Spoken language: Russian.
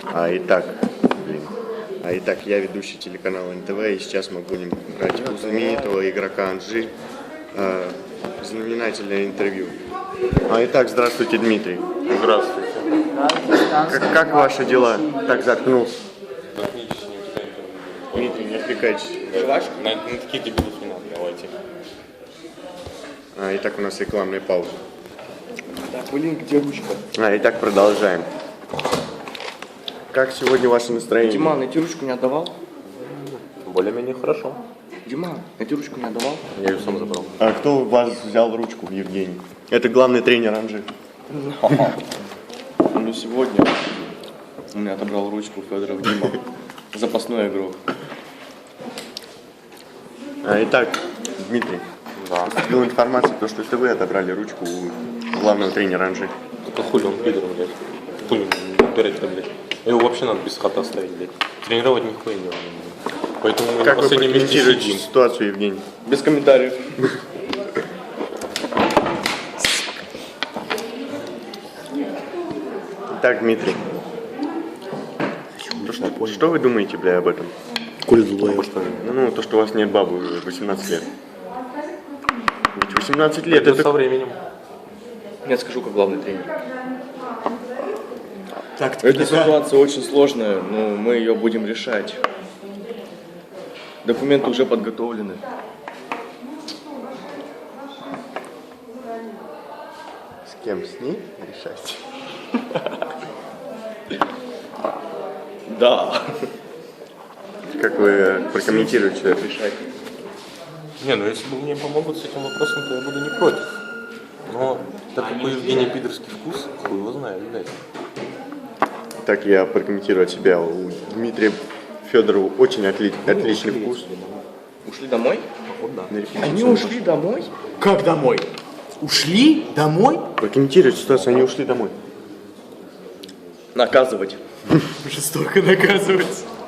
Итак, я ведущий телеканала НТВ, и сейчас мы будем брать у знаменитого игрока Анжи знаменательное интервью. Итак, здравствуйте, Дмитрий. Здравствуйте. Как ваши дела? Так заткнулся. Отлично. Дмитрий, не отвлекайтесь. На таких дебилов не надо, давайте. Итак, у нас рекламная пауза. Так, блин, где ручка? Итак, продолжаем. Как сегодня ваше настроение? Диман, эти ручку не отдавал? Более-менее хорошо. Диман, эти ручку не отдавал? Я ее сам забрал. А кто у вас взял ручку, Евгений? Это главный тренер Анжи. Ну, сегодня у меня отобрал ручку Федоров Дима. Запасной игрок. Итак, Дмитрий, Да. поступила информация, что это вы отобрали ручку у главного тренера Анжи. Это хули он пидор, блядь. Хули он дурак-то, блядь. Его вообще надо без хата оставить, блядь. Тренировать нихуя не надо, блядь. Поэтому мы Как на вы последнем месте прокомментируете сидим. ситуацию, Евгений? Без комментариев. Итак, Дмитрий, что вы думаете, бля, об этом? Ну, то, что у вас нет бабы уже 18 лет. Ведь 18 лет Это это... со временем. Я скажу, как главный тренер. Эта ситуация очень сложная, но мы ее будем решать. Документы уже подготовлены. С кем? С ней решать? Да. Как вы прокомментируете это? Решать. Не, ну если бы мне помогут с этим вопросом, то я буду не против. Но так как у Евгения пидорский вкус, хуй его знает, блядь. Так я прокомментирую от себя. У Дмитрия Федорова очень отличный вкус. Ушли домой? Вот да. Они ушли домой? Как домой? Ушли домой? Прокомментируйте ситуацию, они ушли домой. Наказывать. Жестоко наказывать.